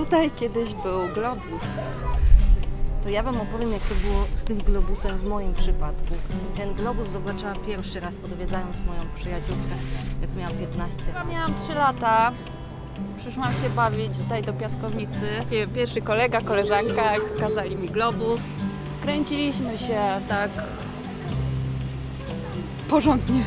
tutaj kiedyś był globus. To ja Wam opowiem, jak to było z tym globusem w moim przypadku. Ten globus zobaczyłam pierwszy raz, odwiedzając moją przyjaciółkę, jak miałam 15. Ja miałam 3 lata. Przyszłam się bawić tutaj do piaskownicy. Pierwszy kolega, koleżanka pokazali mi globus. Kręciliśmy się tak porządnie.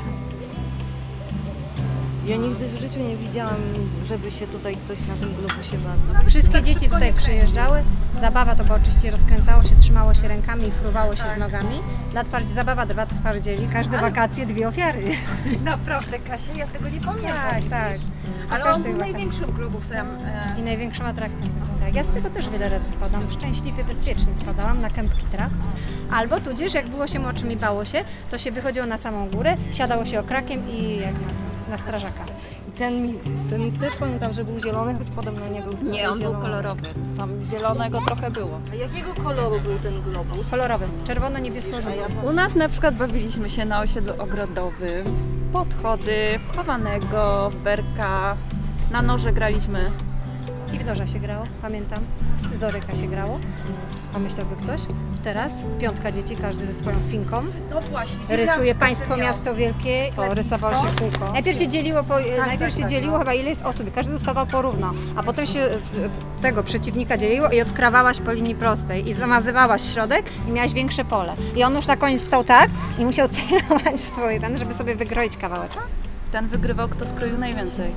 Ja nigdy w życiu nie widziałam, żeby się tutaj ktoś na tym globusie bawił. Wszystkie dzieci tutaj przyjeżdżały. Zabawa to było oczywiście rozkręcało się, trzymało się rękami i fruwało się z nogami. Zabawa dla twardzieli. Każde wakacje 2 ofiary. Naprawdę, Kasia, ja tego nie pamiętam. Tak. Ale on był największym globusem. I największą atrakcją. Tak. Ja z tego też wiele razy spadam. Szczęśliwie, bezpiecznie spadałam na kępki traw. Albo tudzież, jak było się młodszym i bało się, to się wychodziło na samą górę, siadało się okrakiem i jak na strażaka. I ten też pamiętam, że był zielony, choć podobno nie był wcale Nie, on był zielony. kolorowy. Tam zielonego trochę było. A jakiego koloru był ten globus? Kolorowy, czerwono-niebiesko-żółty. U nas na przykład bawiliśmy się na osiedlu ogrodowym, podchody, chowanego, berka, na noże graliśmy. I w noża się grało, pamiętam. W scyzoryka się grało. Pomyślałby ktoś. Teraz 5 dzieci, każdy ze swoją finką. No właśnie. Rysuje państwo, miasto wielkie. Rysowało się kółko. Najpierw się dzieliło, dzieliło chyba ile jest osób. Każdy dostawał porówno. A potem się tego przeciwnika dzieliło i odkrawałaś po linii prostej. I zamazywałaś środek i miałaś większe pole. I on już na koniec stał tak i musiał celować w twój ten, żeby sobie wykroić kawałek. Ten wygrywał, kto skroił najwięcej.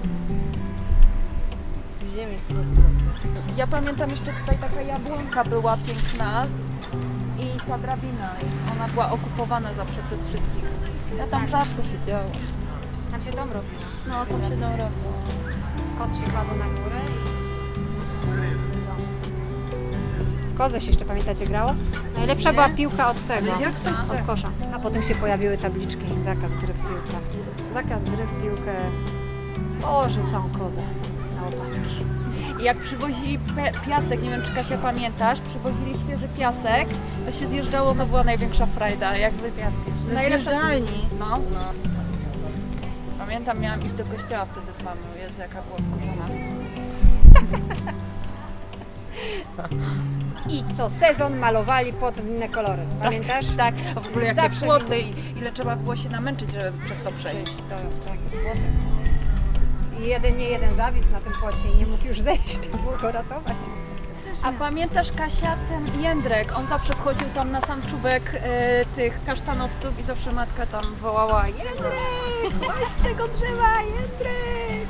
Ziemi. Ja pamiętam jeszcze tutaj taka jabłonka była piękna i ta drabina. Ona była okupowana zawsze przez wszystkich. Ja tam rzadko siedziałam. Tam się dom robił. No, tam się robiło. Kot się kładł na górę. W kozę się jeszcze, pamiętacie, grało? Najlepsza była piłka od tego, od kosza. A potem się pojawiły tabliczki. Zakaz gry w piłkę. Zakaz gry w piłkę. Boże, całą kozę na łopatki. I jak przywozili piasek, nie wiem czy Kasia pamiętasz, przywozili świeży piasek, to się zjeżdżało, to była największa frajda. Jak z piaskiem. Zjeżdżalni. No. Pamiętam, miałam iść do kościoła wtedy z mamą. Jezu, jaka była wkurzona. I co sezon malowali płot w inne kolory. Pamiętasz? Tak, a w ogóle jakie Zawsze płoty i ile trzeba było się namęczyć, żeby przez to przejść. Tak, z płotem. I nie jeden zawisł na tym płocie i nie mógł już zejść, trzeba było go ratować. A pamiętasz, Kasia, ten jędrek, on zawsze wchodził tam na sam czubek tych kasztanowców i zawsze matka tam wołała: Jędrek, złaź z tego drzewa, Jędrek!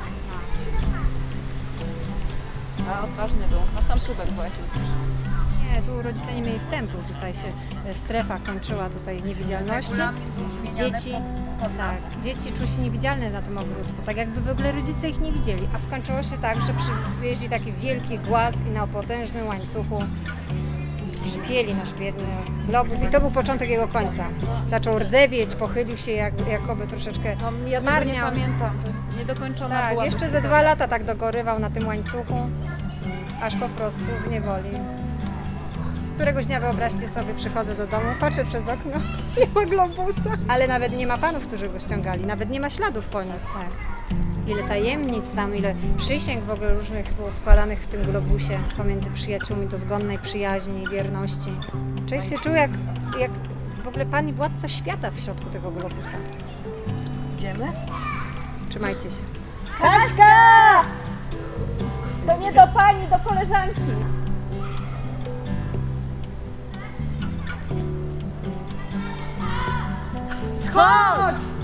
A odważny był, na sam czubek właśnie. Nie, tu rodzice nie mieli wstępu, tutaj się strefa kończyła tutaj niewidzialności. Dzieci, dzieci czuły się niewidzialne na tym ogródku, tak jakby w ogóle rodzice ich nie widzieli. A skończyło się tak, że przywieźli taki wielki głaz i na potężnym łańcuchu przypięli nasz biedny globus i to był początek jego końca. Zaczął rdzewieć, pochylił się jakoby troszeczkę Ja tego nie zmarniał. pamiętam, to niedokończona Tak, była. jeszcze ze 2 lata tak dogorywał na tym łańcuchu, aż po prostu w niewoli. Któregoś dnia, wyobraźcie sobie, przychodzę do domu, patrzę przez okno, nie ma globusa. Ale nawet nie ma panów, którzy go ściągali, nawet nie ma śladów po nim. Tak. Ile tajemnic tam, ile przysięg w ogóle różnych było składanych w tym globusie pomiędzy przyjaciółmi, dozgonnej przyjaźni i wierności. Człowiek się czuł jak w ogóle pan i władca świata w środku tego globusa. Idziemy? Trzymajcie się. Kaśka! To nie do pani, do koleżanki. Chodź!